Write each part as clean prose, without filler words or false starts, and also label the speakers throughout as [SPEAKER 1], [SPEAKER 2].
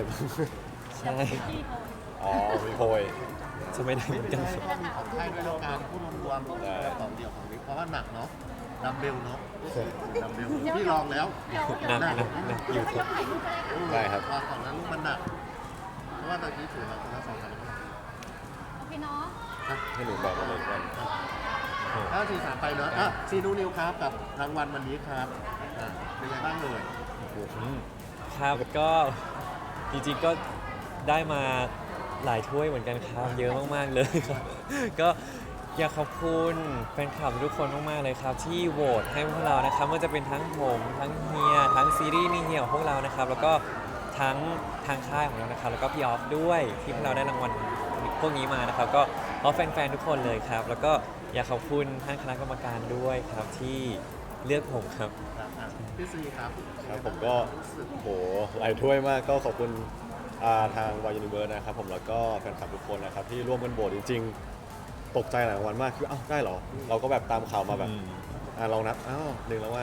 [SPEAKER 1] ใช่
[SPEAKER 2] ที่โพย
[SPEAKER 3] อ๋อมีโพย
[SPEAKER 1] จะไม่ได้เหมือนกัน
[SPEAKER 4] แล้วก็มีของไทยด้วยแล้วการพูดรวมๆแบบของเดี่ยวของนี้เพราะว่าหนักเนาะดัมเบลเนาะดัมเบลพี่ลองแล้ว
[SPEAKER 2] เดี๋ยว
[SPEAKER 1] หนักอยู่
[SPEAKER 2] ไม่ยกถ่ายรูปก็ได้ค่ะ
[SPEAKER 3] ได้ครับ
[SPEAKER 4] ว่าของนั้นลูกมันหนักเพราะว่าตอนนี้ถือมาคนละ2 คัน
[SPEAKER 2] โอเคเนาะ
[SPEAKER 3] ให้หนูบอกเลยกัน
[SPEAKER 4] ถ้า4-3ไปเนาะซีนูนิวครับกับรางวัลวันนี้ครับเป็นไงบ้างเลย
[SPEAKER 1] ครับก็จริงๆก็ได้มาหลายถ้วยเหมือนกันครับเยอะมากๆเลยครับก็อยากขอบคุณแฟนคลับทุกคนมากๆเลยครับที่โหวตให้พวกเรานะครับไม่ว่าจะเป็นทั้งผมทั้งเฮียทั้งซีรีส์มีเฮียของพวกเรานะครับแล้วก็ทั้งทางค่ายของเรานะครับแล้วก็พี่ออฟด้วยที่พวกเราได้รางวัลพวกนี้มานะครับก็ขอแฟนๆทุกคนเลยครับแล้วก็อยากขอบคุณท่านคณะกรรมการด้วยครับที่เลือกผมครับ
[SPEAKER 4] พี่ซีครับ
[SPEAKER 3] ครับผมก็โหหลายถ้วยมากก็ขอบคุณทางวายยูนิเวิร์สนะครับผมแล้วก็แฟนคลับทุกคนนะครับที่ร่วมกันโหวตจริงๆ ตกใจหลายรางวัลมากคือได้เหรอ เราก็แบบตามข่าวมาแบบลองนับ1 รางวัล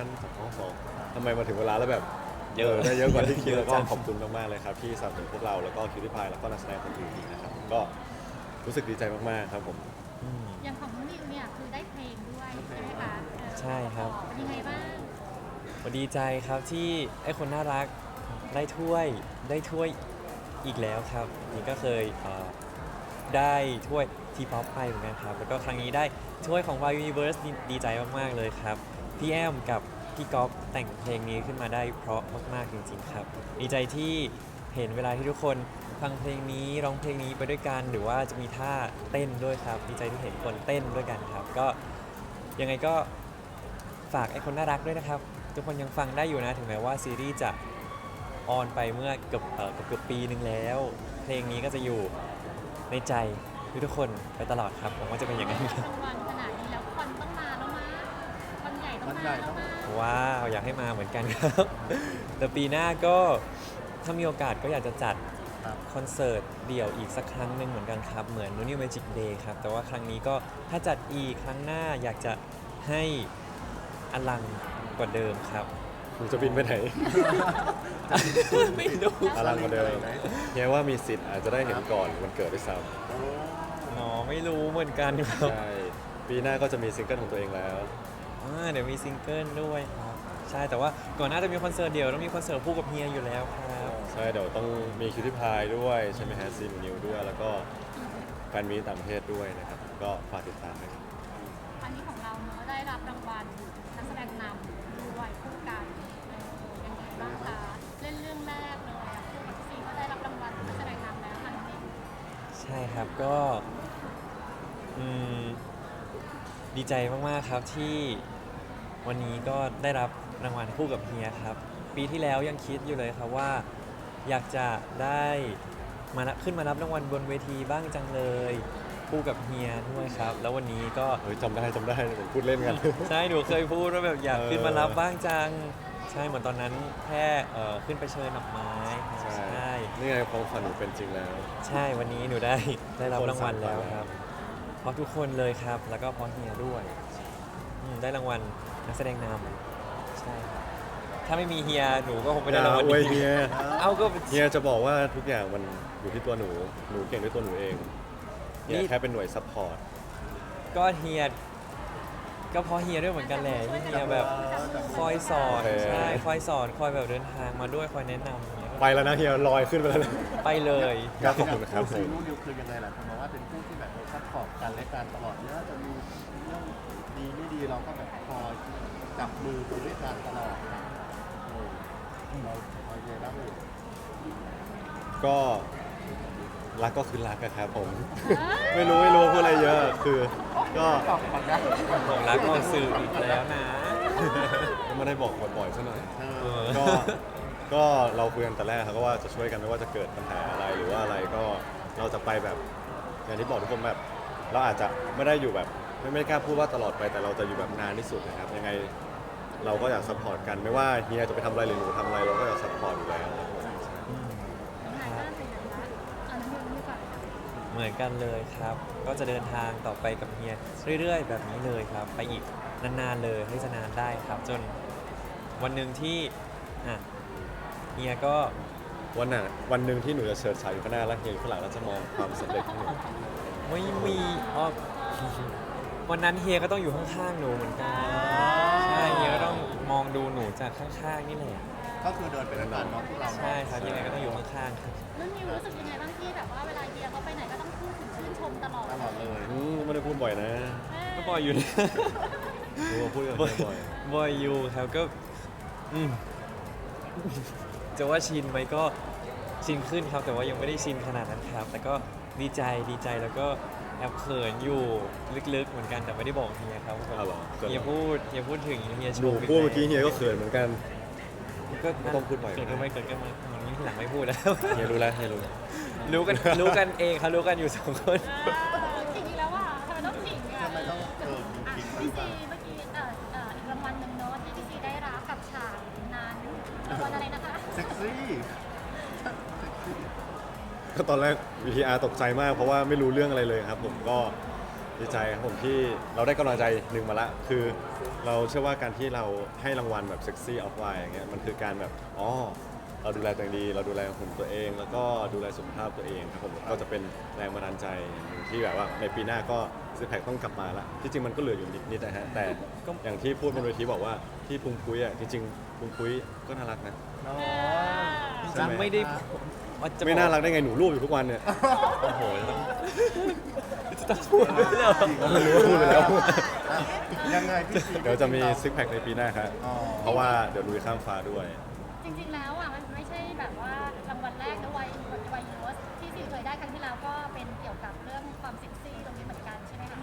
[SPEAKER 3] 2ทำไมมาถึงเวลาแล้วแบบได้เยอะกว่าที่คิดแล้วก็ขอบคุณมากๆเลยครับที่สนับสนุนพวกเราแล้วก็คิวริพายแล้วก็นักแสดงคนอื่นอีกนะครับก็รู้สึกดีใจมากๆครับผม
[SPEAKER 2] อย่างของน้องนิวเนี่ยคือได้เพลงด้วยใช่ไหมคะ
[SPEAKER 1] ใช่ครับ
[SPEAKER 2] เป็นยังไงบ้าง
[SPEAKER 1] ดีใจครับที่ไอ้คนน่ารักได้ถ้วยอีกแล้วครับนี่ก็เคยได้ถ้วยทีป๊อปไปเหมือนกันครับแล้วก็ครั้งนี้ได้ถ้วยของ Wild Universe ดีใจมากๆเลยครับพี่แอมกับพี่ก๊อฟแต่งเพลงนี้ขึ้นมาได้เพราะมากๆจริงๆครับดีใจที่เห็นเวลาที่ทุกคนฟังเพลงนี้ร้องเพลงนี้ไปด้วยกันหรือว่าจะมีท่าเต้นด้วยครับดีใจที่เห็นคนเต้นด้วยกันครับก็ยังไงก็ฝากไอ้คนน่ารักด้วยนะครับทุกคนยังฟังได้อยู่นะถึงแม้ว่าซีรีส์จะออนไปเมื่อเกือบปีนึงแล้วเพลงนี้ก็จะอยู่ในใจทุกคนไปตลอดครับผมว่าจะเป็นอย่างนั้นครับ
[SPEAKER 2] รางวัลขนาดนี้แล้วคอนต้องมาแล้วมั้ยคอนใหญ่ต้องมาแล้วมั้ย
[SPEAKER 1] ว้าวอยากให้มาเหมือนกันครับ แต่ปีหน้าก็ถ้ามีโอกาสก็อยากจะจัดคอนเสิร์ตเดี่ยวอีกสักครั้งหนึ่งเหมือนกันครับเหมือน New Magic Day ครับแต่ว่าครั้งนี้ก็ถ้าจัดอีกครั้งหน้าอยากจะให้อลังกว่าเดิมครับ
[SPEAKER 3] หนูจะบินไปไหน
[SPEAKER 1] ไม่รู้
[SPEAKER 3] อลังกว่าเดิมเนี่ยว่ามีสิทธิ์อาจจะได้เห็นก่อนวันเกิดด้วยซ้
[SPEAKER 1] อ๋อไม่รู้เหมือนกันค
[SPEAKER 3] ำ
[SPEAKER 1] รับ
[SPEAKER 3] ใช่ปีหน้าก็จะมีซิงเกิลของตัวเองแล้ว
[SPEAKER 1] เดี๋ยวมีซิงเกิลด้วยครับใช่แต่ว่าก่อนหน้าจะมีคอนเสิร์ตเดี่ยวต้องมีคอนเสิร์ตคู่กับเฮียอยู่แล้วครับ
[SPEAKER 3] ใช่เดี๋ยวต้องมีคิวที่พายด้วยใช่ไหมฮะซีนนิวด้วยแล้วก็แฟนมีต่างประเทศด้วยนะครับก็ฝากติดตามนะครับ
[SPEAKER 2] อันนี้ของเราเนอะได้รับรางวัลนักแสดงนำด้วยคู่กันยังไงบ้างคะเล่นเรื่องแรกเลยอะคู่กับซีก็ได้รับรางวัลนักแสดงนำแล้วค่ะน้องนิว
[SPEAKER 1] ใช่ครับก็ดีใจมากๆครับที่วันนี้ก็ได้รับรางวัลคู่กับเฮียครับปีที่แล้วยังคิดอยู่เลยครับว่าอยากจะได้ขึ้นมารับรางวัลบนเวทีบ้างจังเลยคู่กับเฮียด้วยครับแล้ววันนี้ก็
[SPEAKER 3] เฮ้ยจำได้ผมพูดเล่นกัน
[SPEAKER 1] ใช่หนูเคยพูดว่าแบบอยากขึ้นมารับบ้างจังใช่เหมือนตอนนั้นแค่ขึ้นไปเชิญดอกไม้ครับใช่
[SPEAKER 3] นี่ไงความฝันหนูเป็นจริงแล้ว
[SPEAKER 1] ใช่วันนี้หนูได้รับรางวัลแล้วครับเพราะทุกคนเลยครับแล้วก็เพราะเฮียด้วยได้รางวัลนักแสดงนำใช่ครับถ้าไม่มีเฮียหนูก็คงไม่ได้รางวัล
[SPEAKER 3] อย่าอวย
[SPEAKER 1] นี้
[SPEAKER 3] เฮีย
[SPEAKER 1] เอาก็
[SPEAKER 3] เฮียจะบอกว่าทุกอย่างมันอยู่ที่ตัวหนูเก่งด้วยตัวหนูเองเฮียแค่เป็นหน่วยซัพพอร์ต
[SPEAKER 1] ก็เฮียก็เพราะเฮียด้วยเหมือนกันแหละที่เฮียแบบคอยสอนใช่คอยสอนคอยแบบเดินทางมาด้วยคอยแนะนำอย่างเงี้ย
[SPEAKER 3] ไปแล้วนะเฮียลอยขึ้นไปแล้วนะ
[SPEAKER 1] ไปเลย
[SPEAKER 3] ก็ขอบคุณครับ
[SPEAKER 4] ซีนูนิวคือยังไงล่ะผมมองว่าเป็นคู่ที่แบบซัพพอร์ตกันและกันตลอดเนี่ยจะมีเรื่องดีไม่ดีเราก็แบบคอยจับมือไปด้วยกันตลอดนะเราเยบ้างเลย
[SPEAKER 1] ก็
[SPEAKER 3] รักก็คือรักอะครับผม ไม่รู้พูดอะไรเยอะคือก็
[SPEAKER 1] ผมรักออกสื่ออีกแล้วนะ
[SPEAKER 3] ไม่ได้บอกบ่อยๆซะหน่อย
[SPEAKER 1] ก็
[SPEAKER 3] ก็เราคุยกันแต่แรกครับก็ว่าจะช่วยกันไม่ว่าจะเกิดปัญหาอะไรหรือว่าอะไรก็เราจะไปแบบอย่างที่บอกทุกคนแบบเราอาจจะไม่ได้อยู่แบบไม่กล้าพูดว่าตลอดไปแต่เราจะอยู่แบบนานที่สุดนะครับยังไงเราก็อยากซัพพอร์ตกันไม่ว่าเฮียจะไปทำอะไรหรือหนูทำอะไรเราก็อยากซัพพอร์ตอยู่แล้ว
[SPEAKER 2] งานบ้านเป็นยังไงคะอันนั้นไม่ก่อน
[SPEAKER 1] เหมือนกันเลยครับ ก็จะเดินทางต่อไปกับเฮียเรื่อยๆ แบบนี้เลยครับ ไปอีกนานๆเลยให้จะนานได้ครับ จนวันหนึ่งที่เฮียก็
[SPEAKER 3] วันหนึ่งที่หนูจะเฉิดฉายอยู่ข้างหน้าแล้วเฮียอยู่ข้างหลังแล้วจะมองความสำเร็จของหนู
[SPEAKER 1] ไม่มีอ๋อวันนั้นเฮียก็ต้องอยู่ข้างๆหนูเหมือนกันใช่เฮียก็ต้องมองดูหนูจากข้างๆนี่แหละ
[SPEAKER 4] ก็คือเดินไปด้วยกันเนาะพวกเรา
[SPEAKER 1] ใช่ครับยังไงก็ต้องอยู่ข้างๆครับ
[SPEAKER 2] นุ่นนิวรู้สึกยังไงบ้างที่แบบว่าเวลาเฮียเขาไปไหนก็ต้องพูดถึงชื่นชมตลอด
[SPEAKER 4] ตลอดเลย
[SPEAKER 3] ไม่ได้พูดบ่อยนะ
[SPEAKER 1] ก็บ่อยอยู่นะ
[SPEAKER 3] หนูพูดกับเฮียบ่อย
[SPEAKER 1] บ่อยอยู่ครับก็อืมจะว่าชินไหมก็ชินขึ้นครับ แต่ว่ายังไม่ได้ชินขนาดนั้นครับ แต่ก็ดีใจแล้วก็แอบเขินอยู่ลึกๆเหมือนกันแต่ไม่ได้บอกเฮียครับ
[SPEAKER 3] อ้าวเหรอเขินเหรอ
[SPEAKER 1] เฮียพูดถึงเฮีย
[SPEAKER 3] ห
[SPEAKER 1] ชู
[SPEAKER 3] นูพูดเมื่อกี้เฮียก็เขินเหมือนกัน
[SPEAKER 1] ก็
[SPEAKER 3] ไม่ต้องพูดบ่อย
[SPEAKER 1] เกิดก็ไม่มันนี้ทีหลังไม่พูดแล้ว
[SPEAKER 3] เฮียรู้แล้วเฮียรู้
[SPEAKER 1] รู้กันเองครับรู้กันอยู่สองคน
[SPEAKER 2] จริงๆแล้วอ่ะทำไมต้องขิงอ่ะ
[SPEAKER 4] ทำไมต้องทิ้ง
[SPEAKER 2] พี่ซีเมื่อกี้อีกรางวัลหนึ่งเนาะที่พี่ซีได้รับกับฉากนั้นรางวัลอะไรนะคะ
[SPEAKER 4] เซ็กซี่
[SPEAKER 3] ก็ตอนแรก VTR ตกใจมากเพราะว่าไม่รู้เรื่องอะไรเลยครับ ผมก็ดีใจครับผมที่เราได้กำลังใจหนึ่งมาละคือเราเชื่อว่าการที่เราให้รางวัลแบบเซ็กซี่ออฟไลน์อย่างเงี้ยมันคือการแบบอ๋อเราดูแลตัวเองดี เราดูแลหุ่นตัวเอง แล้วก็ดูแลสุขภาพตัวเองครับผมก็จะเป็นแรงบันดาลใจอย่างหนึ่งที่แบบว่าในปีหน้าก็ซิกแพคต้องกลับมาละที่จริงมันก็เหลืออยู่นิดนะฮะแต่ก็อย่างที่พูดบนเวทีบอกว่าที่พุงพุ้ยอ่ะจริงๆพุงพุ้ยก็น่ารักนะ
[SPEAKER 4] เนาะ
[SPEAKER 3] ใช่ไหม
[SPEAKER 1] ไม่ได้ว่าจะ
[SPEAKER 3] ไม่น่ารักได้ไงหนูรูปอยู่ทุกวันเนี่ย
[SPEAKER 1] โอ้โหจะต้องพูดด้วยเหรอ
[SPEAKER 3] พูดไปแล้ว
[SPEAKER 4] ยังไงพี่ซี
[SPEAKER 3] เดี๋ยวจะมีซิกแพคในปีหน้าครับ
[SPEAKER 4] อ๋อ
[SPEAKER 3] เพราะว่าเดี๋ยวลุยข้ามฟ้าด้วย
[SPEAKER 2] จริงๆแล้วอ่ะมันไม่ใช่แบบว่ารางวัลแรกนะวัยยูสที่ซีเคยได้ครั้งที่แล้วก็เป็นเกี่ยวกับเรื่องความเซ็กซี่ตรงนี้เหมือนกันใช่ไหมคะ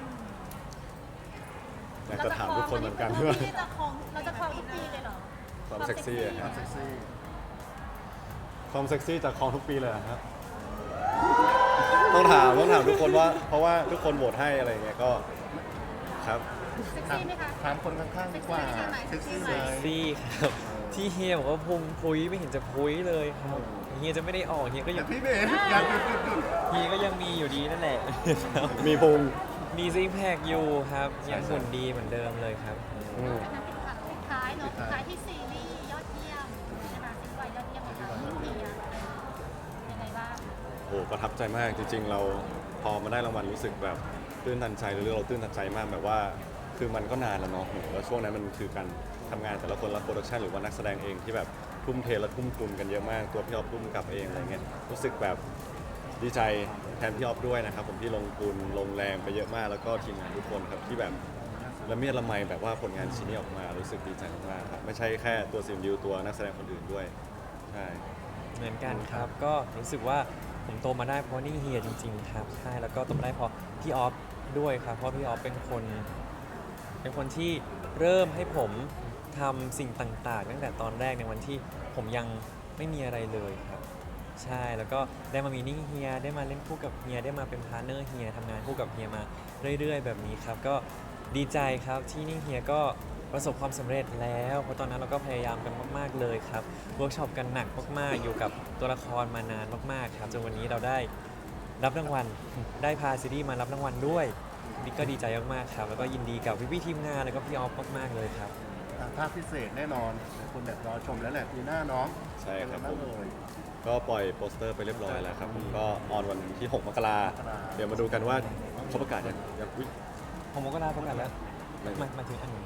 [SPEAKER 3] อยากจะถามทุกคนเหมือนกัน
[SPEAKER 2] เรา
[SPEAKER 3] ว่า
[SPEAKER 2] จะครองทุกปีเลยเหรอ
[SPEAKER 3] ความเซ็กซี่อะ
[SPEAKER 4] ค
[SPEAKER 3] คว
[SPEAKER 4] า
[SPEAKER 3] รั
[SPEAKER 4] ม
[SPEAKER 3] บ
[SPEAKER 4] เซ็กซี่
[SPEAKER 3] ความเซ็กซี่จากคลองทุกปีเลยเหรอครับ ต้องถามทุกคนว่า เพราะว่าทุกคนโหวตให้อะไรเงี้ยก็ครับ
[SPEAKER 2] เซ็กซี่ไหมคะ
[SPEAKER 4] ถามคนข้างๆดีกว่าเซ็กซี่ไหม
[SPEAKER 1] ซี่ครับที่เฮียบอกว่าพุงพุ้ยไม่เห็นจะพุ้ยเลยครับเฮียจะไม่ได้ออกเฮียก็
[SPEAKER 4] อ
[SPEAKER 1] ยั
[SPEAKER 4] ย่าง พี่เบนอยากหยุด
[SPEAKER 1] เฮียก็ยังมีอยู่ดีนั่นแหละครับ
[SPEAKER 3] มีพุง
[SPEAKER 1] มีซิกแพคอยู่ครับยังหุ่นดีเหมือนเดิมเลยครับ
[SPEAKER 3] อืม
[SPEAKER 2] ปิดท้ายเนาะปิดท้ายที่ซีรีส์ยอดเยี่ยมใช่ไหมซีรีส์ยอดเยี่ยมของเราเฮียยังไงบ้าง
[SPEAKER 3] โอ้ประทับใจมากจริง ๆ เราพอมาได้รางวัลรู้สึกแบบตื้นตันใจเรื่องเราตื้นตันใจมากแบบว่า คือมันก็นานแล้วเนาะโหแล้วช่วงนั้นมันคือการทำงานแต่ละคนละโปรดักชันหรือว่านักแสดงเองที่แบบทุ่มเทและทุ่มทุนกันเยอะมากตัวพี่ออฟทุ่มกับเองอะไรเงี้ยรู้สึกแบบดีใจแทนพี่ออฟด้วยนะครับผมที่ลงทุนลงแรงไปเยอะมากแล้วก็ทีมงานทุกคนครับที่แบบละเมียดละไมแบบว่าผลงานชิ้นนี้ออกมารู้สึกดีใจมากๆครับไม่ใช่แค่ตัวซิมดิวตัวนักแสดงคนอื่นด้วยใช่
[SPEAKER 1] เหมือนกันครับก็รู้สึกว่าผมโตมาได้เพราะนี่เฮียจริงๆครับใช่แล้วก็โตมาได้เพราะพี่ออฟด้วยครับเพราะพี่ออฟเป็นคนที่เริ่มให้ผมทำสิ่งต่างๆตั้งแต่ตอนแรกในวันที่ผมยังไม่มีอะไรเลยครับใช่แล้วก็ได้มามีนิ่งเฮียได้มาเล่นคู่กับเฮียได้มาเป็นพาร์ทเนอร์เฮียทำงานคู่กับเฮียมาเรื่อยๆ แบบนี้ครับก็ดีใจครับที่นิ่งเฮียก็ประสบความสำเร็จแล้วเพราะตอนนั้นเราก็พยายามกันมากๆเลยครับเวิร์กช็อปกันหนักมากๆอยู่กับตัวละครมานานมากๆครับจนวันนี้เราได้รับรางวัลได้พาซีรีส์มารับรางวัลด้วยนี่ก็ดีใจมากๆครับแล้วก็ยินดีกับพี่ๆทีมงานแล้วก็พี่ออฟมากๆเลยครับ
[SPEAKER 4] ภาคพิเศษแน่นอนคนแบบรอชมแล้วแหละปีหน้าน้อง
[SPEAKER 3] ใช่ครับ
[SPEAKER 4] เป็น
[SPEAKER 3] ผ
[SPEAKER 4] ไง
[SPEAKER 3] ม
[SPEAKER 4] เลย
[SPEAKER 3] ก็ปล่อยโปสเตอร์ไปเรียบร้อยแล้วครับผมก็ออนวันที่ 6 มกรา
[SPEAKER 4] มกรา
[SPEAKER 3] เดี๋ยวมาดูกันว่าเขาประกาศยังอุ๊ย
[SPEAKER 1] ผมก็ได้ประกาศแล้ว
[SPEAKER 3] ไม่
[SPEAKER 1] มาถึงอันนี้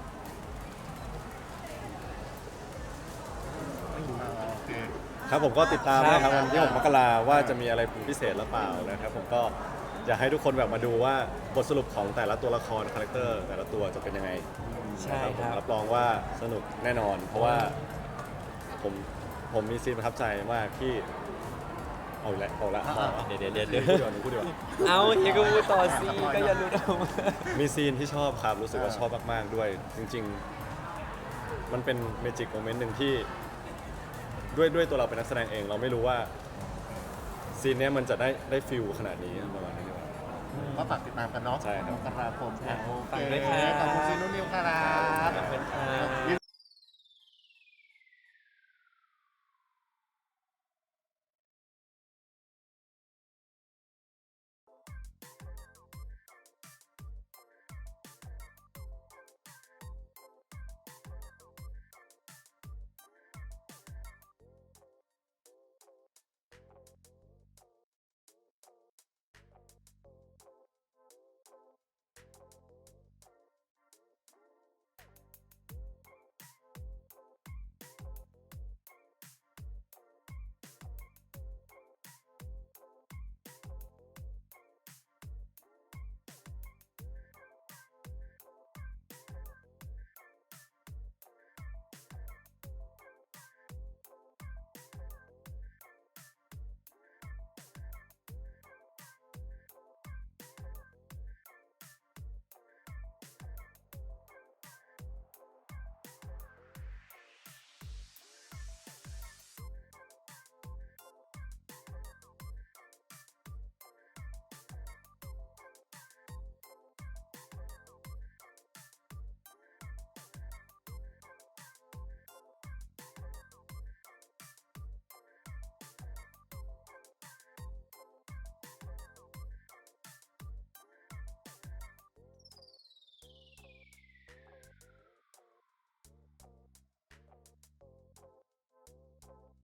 [SPEAKER 4] โอเค
[SPEAKER 3] ครับผมก็ติดตามนะครับ
[SPEAKER 1] ครับ
[SPEAKER 3] วันที่ 6 มกราว่าจะมีอะไรพิเศษหรือเปล่านะครับผมก็อยากให้ทุกคนแบบมาดูว่าบทสรุปของแต่ละตัวละครคาแรคเตอร์แต่ละตัวจะเป็นยังไง
[SPEAKER 1] ใช่
[SPEAKER 3] นะผม
[SPEAKER 1] ครับ
[SPEAKER 3] รับรองว่าสนุกแน่นอน เพราะว่าผมมีซีนประทับใจมากที่เอาอีกแล้วเอาละ
[SPEAKER 1] เดี๋ยว
[SPEAKER 3] พูดดีกว่าหนูพูดดีกว่า
[SPEAKER 1] เอาเฮียก็พูดต่อสิก็อย่ารู้เอามา
[SPEAKER 3] มีซีนที่ชอบครับรู้สึกว่าชอบมากๆด้วย จริง ๆ มันเป็นเมจิกโมเมนต์หนึ่งที่ด้วยตัวเราเป็นนักแสดงเอง เราไม่รู้ว่าซีนเนี้ยมันจะได้ฟิลขนาดนี้ประมาณนี้ดีกว่า
[SPEAKER 4] ก็ฝากติดตามกันเนาะ
[SPEAKER 3] ใช่ครับ
[SPEAKER 4] มกราคม
[SPEAKER 1] ฝาก
[SPEAKER 4] โอเค
[SPEAKER 1] ด้วยครับ
[SPEAKER 4] ขอบคุณซีนุ่นนิวครับ
[SPEAKER 1] ขอบคุณครับ